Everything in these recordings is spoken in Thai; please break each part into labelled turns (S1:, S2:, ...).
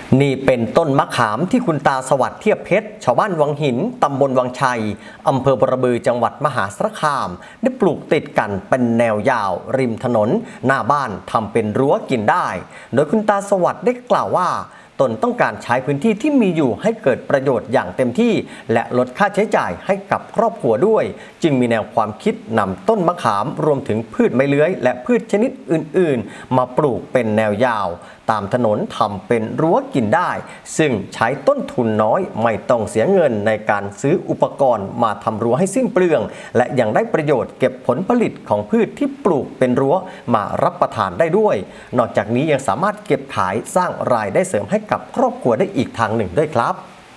S1: นี่เป็นต้นมะขามที่คุณตาสวัสดิ์เทียบเพชรชาวบ้านวังหินตำบลวังชัยอำเภอบรบือจังหวัดมหาสารคามได้ปลูกติดกันเป็นแนวยาวริมถนนหน้าบ้านทำเป็นรั้วกินได้ โดยคุณตาสวัสดิ์ได้กล่าวว่าตนต้องการใช้พื้นที่ที่มีอยู่ให้เกิดประโยชน์อย่างเต็มที่และลดค่าใช้จ่ายให้กับครอบครัวด้วยจึงมีแนวความคิดนำต้นมะขามรวมถึงพืชไม้เลื้อยและพืชชนิดอื่นๆมาปลูกเป็นแนวยาวตามถนนทำเป็นรั้วกินได้ซึ่งใช้ต้นทุนน้อยไม่ต้องเสียเงินในการซื้ออุปกรณ์มาทำรั้วให้สิ้นเปลืองและยังได้ประโยชน์เก็บผลผลิตของพืชที่ปลูกเป็นรั้วมารับประทานได้ด้วยนอกจากนี้ยังสามารถเก็บขายสร้างรายได้เสริมให้กับครอบครัวได้อีกทางหนึ่งด้วยครับ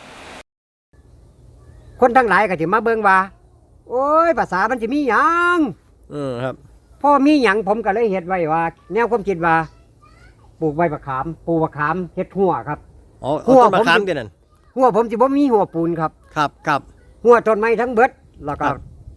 S2: คนทั้งหลายก็จะมาเบิ่งว่าโอ้ยภาษามันจะมีหยัง
S1: ครับ
S2: พ่อมีหยังผมก็เลยเฮ็ดไว้ว่าแนวความคิดว่าปลูกใบมะขามปลูกมะขามเฮ็ดหัวครับ
S1: หัวต้นมะขามเดี๋ยวนั้น
S2: หัวผมสิบ่มีหัวปูนครับ
S1: ครับ
S2: หัวต้นไม้ทั้งเบิดแล้วก็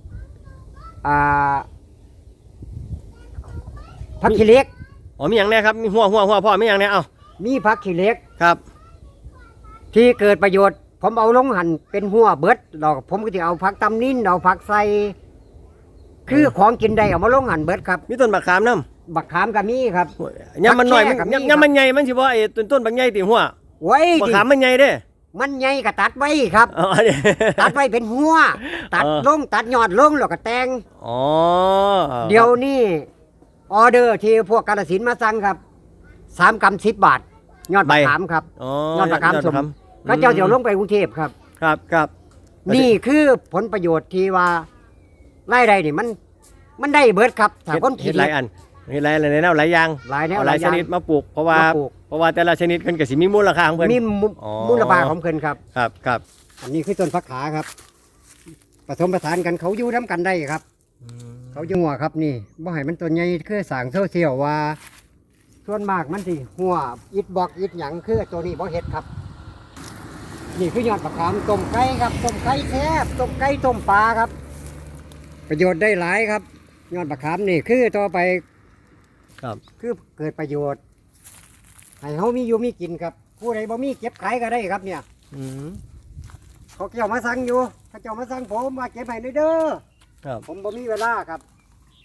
S2: ผักขี้เหล็ก
S1: มีอย่างแน่ครับมีหัวพ่อมีอย่างแน่
S2: มีผักขี้เหล็ก
S1: ครับ
S2: ที่เกิดประโยชน์ผมเอาลงหั่นเป็นหัวเบิดแล้วผมก็สิเอาผักตำนินเอาผักใส่คือของกินได้เอามาลงหั่นเบิดครับ
S1: มีต้นมะขามนำ
S2: บักขามก็มีครับ
S1: ยามมันหน่อยยามมันใหญ่มันสิบ่ไอ้ต้นบักใหญ่ติหัว
S2: ไว้
S1: มะขามมันใหญ่เด้
S2: มันใหญ่ก็ตัดไว้ครับตัดไว้เป็นหัวตัดลงตัดยอดลงแล้วก็แต่งเดี๋ยวนี้ออเดอร์ที่พวกกาฬสินธุ์มาสั่งครับ3 กรัม 10 บาทยอดมะขามครับยอดมะขามสมก็เจ้าเดี๋ยวลงไปกรุงเทพครับนี่คือผลประโยชน์ที่ว่ารายได้นี่มันได้เบิดครับถ้าคนคิด
S1: หลายอันมีหลายแนวหลายอย่าง
S2: หลายแนว
S1: หลายชนิดมาปลูกเพราะว่าแต่ละชนิดมันก็สิมีมูลค่าของเพิ่น
S2: มีมูลค่าของเพิ่นครับอันนี้คือต้นฟักขาครับผสมผสานกันเขาอยู่น้ำกันได้ครับเขาอยู่หัวครับนี่บ่ให้มันตัวใหญ่คือสร้างโซเชียลว่าส่วนมากมันสิหัวอิดบอกอิดหยังคือตัวนี้บ่เฮ็ดครับนี่คือยอดมะขามต้มไก่ครับต้มไก่แซ่บต้มไก่ต้มปลาครับประโยชน์ได้หลายครับยอดมะขามนี่คือต่อไปคือเกิดประโยชน์ให้เขามีอยู่มีกินครับผู้ใดบ่มีเก็บขายก็ได้ครับเนี่ยเขาเจ้ามาสั่งอยู่เขาเจ้ามาสั่งผมมาเก็บให้เด้อผมบ่มีเวลาครับ